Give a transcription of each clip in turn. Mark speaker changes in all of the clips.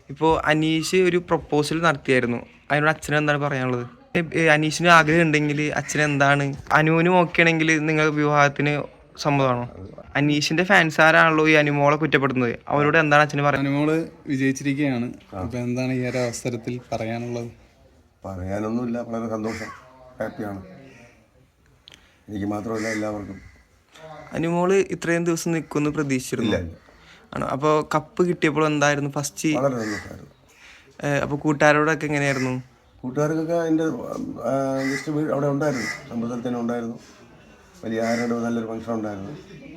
Speaker 1: ഇപ്പോൾ അനീഷ് ഒരു പ്രൊപ്പോസൽ നടത്തിയായിരുന്നു. അതിനോട് അച്ഛന് എന്താണ് പറയാനുള്ളത്? അനീഷിന് ആഗ്രഹം ഉണ്ടെങ്കിൽ അച്ഛൻ എന്താണ്, അനുവിനും ഓക്കെ ആണെങ്കിൽ നിങ്ങൾ വിവാഹത്തിന് സമ്മതമാണോ? അനീഷിന്റെ ഫാൻസ് ആരാണല്ലോ ഈ അനുമോളെ കുറ്റപ്പെടുന്നത്, അവരോട് എന്താണ് അച്ഛന് പറയുന്നത്?
Speaker 2: അനുമോള് വിജയിച്ചിരിക്കുകയാണ്. അപ്പൊ എന്താണ് ഈ ഒരു അവസരത്തിൽ പറയാനുള്ളത്?
Speaker 3: പറയാനൊന്നുമില്ല, വളരെ സന്തോഷം, ഹാപ്പിയാണ്. എനിക്ക് മാത്രമല്ല, എല്ലാവർക്കും.
Speaker 1: അനുമോള് ഇത്രയും ദിവസം നിൽക്കുമെന്ന് പ്രതീക്ഷിച്ചിരുന്നു ആണോ? അപ്പോൾ കപ്പ് കിട്ടിയപ്പോൾ എന്തായിരുന്നു ഫസ്റ്റ്?
Speaker 3: വളരെ സന്തോഷമായിരുന്നു.
Speaker 1: അപ്പോൾ കൂട്ടുകാരോടൊക്കെ എങ്ങനെയായിരുന്നു?
Speaker 3: കൂട്ടുകാർക്കൊക്കെ എൻ്റെ ജസ്റ്റ് അവിടെ ഉണ്ടായിരുന്നു, സമ്പർക്കത്തിൽ തന്നെ ഉണ്ടായിരുന്നു. വലിയ ആരുടെ നല്ലൊരു ഫംഗ്ഷൻ ഉണ്ടായിരുന്നു.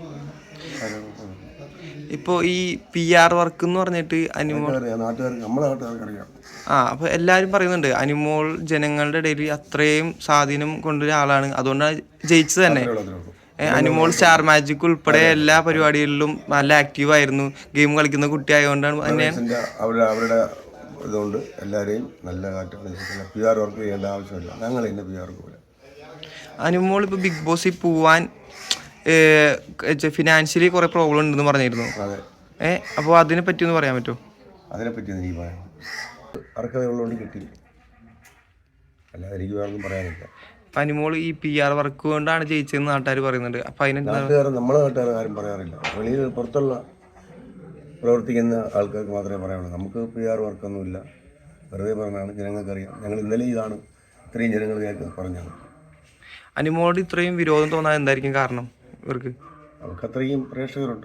Speaker 1: ഇപ്പോൾ ഈ PR വർക്ക് എന്ന് പറഞ്ഞിട്ട് അനുമോൾ
Speaker 3: നാട്ടുകാർക്ക്, നമ്മളെ നാട്ടുകാർക്ക് അറിയാം.
Speaker 1: അപ്പോൾ എല്ലാവരും പറയുന്നുണ്ട് അനുമോൾ ജനങ്ങളുടെ ഇടയിൽ അത്രയും സ്വാധീനം കൊണ്ടൊരു ആളാണ്, അതുകൊണ്ടാണ് ജയിച്ചത് തന്നെ. അനുമോൾ സ്റ്റാർ മാജിക് ഉൾപ്പെടെ എല്ലാ പരിപാടികളിലും നല്ല ആക്റ്റീവ് ആയിരുന്നു, ഗെയിം കളിക്കുന്ന കുട്ടി ആയതുകൊണ്ടാണ് തന്നെയാണ്.
Speaker 3: അവരുടെ ഇതുകൊണ്ട് എല്ലാവരെയും നല്ല കാറ്റാണ്. PR വർക്ക് ചെയ്യേണ്ട ആവശ്യമില്ല, ഞങ്ങൾ ഇന്ന് PR വർക്ക് പോലെ.
Speaker 1: അനുമോൾ ഇപ്പോൾ ബിഗ് ബോസിൽ പോവാൻ ഫിനാൻഷ്യലി കുറേ പ്രോബ്ലം ഉണ്ടെന്ന് പറഞ്ഞിരുന്നു.
Speaker 3: അതെ.
Speaker 1: അപ്പോൾ അതിനെ പറ്റി ഒന്ന് പറയാൻ പറ്റുമോ?
Speaker 3: അതിനെപ്പറ്റി എനിക്ക് പറയാം, അർഹതയുള്ളതുകൊണ്ട് കിട്ടി, അല്ലാതെ എനിക്ക് വേറൊന്നും പറയാനില്ല.
Speaker 1: അനുമോൾ ഈ PR വർക്ക് കൊണ്ടാണ് ജയിച്ചതെന്ന് നാട്ടുകാർ പറയുന്നുണ്ട്. അപ്പോൾ നമ്മളെ
Speaker 3: നാട്ടുകാർ ആരും പറയാറില്ല, വെളിയിൽ പുറത്തുള്ള പ്രവർത്തിക്കുന്ന ആൾക്കാർക്ക് മാത്രമേ പറയാനുള്ളൂ. നമുക്ക് PR വർക്കൊന്നുമില്ല, വെറുതെ പറഞ്ഞാണ്, ജനങ്ങൾക്കറിയാം. ഞങ്ങൾ ഇന്നലെ ഇതാണ് ഇത്രയും ജനങ്ങൾ പറഞ്ഞത്.
Speaker 1: അനുമോളോട് ഇത്രയും വിരോധം തോന്നാൻ എന്തായിരിക്കും കാരണം? ഇവർക്ക്
Speaker 3: അവർക്ക് അത്രയും പ്രേക്ഷകരുണ്ട്.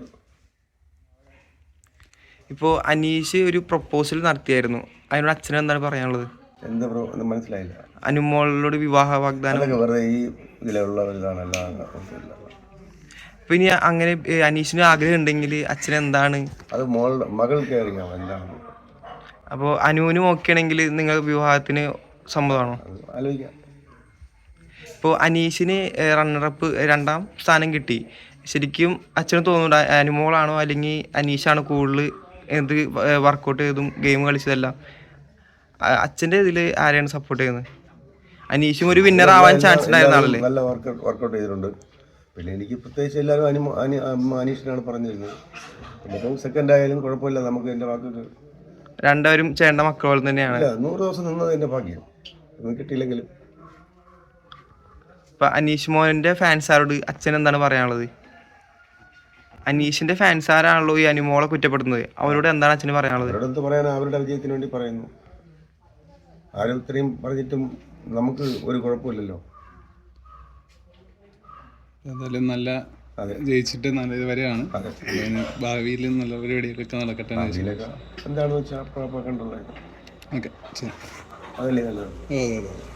Speaker 1: ഇപ്പോൾ അനീഷ് ഒരു പ്രൊപ്പോസൽ നടത്തിയായിരുന്നു, അതിനോട് അച്ഛന് എന്താണ് പറയാനുള്ളത്?
Speaker 3: എന്താ മനസ്സിലായില്ല.
Speaker 1: അനുമോളോട് വിവാഹ വാഗ്ദാനം
Speaker 3: വെറുതെ ഈ ഇതിലുള്ളവരിതാണ്.
Speaker 1: പിന്നെ അങ്ങനെ അനീഷിന് ആഗ്രഹം ഉണ്ടെങ്കിൽ അച്ഛൻ എന്താണ്,
Speaker 3: അത് മകൾക്ക് അറിയാം എന്താണ്.
Speaker 1: അപ്പോൾ അനുവിനും ഓക്കെ ആണെങ്കിൽ നിങ്ങൾ വിവാഹത്തിന് സമ്മതമാണോ?
Speaker 3: ആലോചിക്കാം.
Speaker 1: ഇപ്പോൾ അനീഷിന് റണ്ണറപ്പ് 2ാം സ്ഥാനം കിട്ടി. ശരിക്കും അച്ഛന് തോന്നുന്നുണ്ട് അനുമോളാണോ അല്ലെങ്കിൽ അനീഷാണോ കൂടുതൽ എന്ത് വർക്കൗട്ട് ചെയ്തും ഗെയിം കളിച്ചതെല്ലാം? അച്ഛൻ്റെ ഇതിൽ ആരെയാണ് സപ്പോർട്ട് ചെയ്യുന്നത്? അനീഷും ഒരു വിന്നർ ആവാൻ ചാൻസ് ഉണ്ടായിരുന്ന ആളല്ലേ?
Speaker 3: നല്ല വർക്കൗട്ട് ചെയ്തിട്ടുണ്ട്. പിന്നെ എനിക്ക് പ്രത്യേകിച്ച് എല്ലാവരും അനീഷിനാണ് പറഞ്ഞിരുന്നത്. പിന്നെ സെക്കൻഡ് ആയാലും കുഴപ്പമില്ല, നമുക്ക് എൻ്റെ വാക്കുകൾ
Speaker 1: രണ്ടുപേരും ചേട്ട മക്കൾ പോലെ തന്നെയാണ്.
Speaker 3: 100 ദിവസം നിന്നത് എൻ്റെ ഭാഗ്യം, കിട്ടിയില്ലെങ്കിലും.
Speaker 1: ഇപ്പം അനീഷ് മോഹൻ്റെ ഫാൻസാരോട് അച്ഛൻ എന്താണ് പറയാനുള്ളത്? അനീഷിൻ്റെ ഫാൻസാരാണല്ലോ ഈ അനുമോളെ കുറ്റപ്പെടുന്നത്, അവരോട് എന്താണ് അച്ഛന് പറയാനുള്ളത്?
Speaker 3: അവരോട് എന്ത് പറയാൻ, അവരുടെ വിജയത്തിന് വേണ്ടി പറയുന്നു. ആരും ഇത്രയും പറഞ്ഞിട്ടും നമുക്ക് ഒരു കുഴപ്പമില്ലല്ലോ.
Speaker 2: എന്തായാലും നല്ല ജയിച്ചിട്ട് നല്ല ഇതുവരെയാണ്. ഭാവിയിൽ നല്ല പരിപാടികളൊക്കെ നടക്കട്ടെ.
Speaker 3: എന്താണെന്ന് വെച്ചാൽ കണ്ടുള്ളത്.
Speaker 2: ഓക്കെ, ശരി.
Speaker 3: അതല്ലേ നല്ലത്.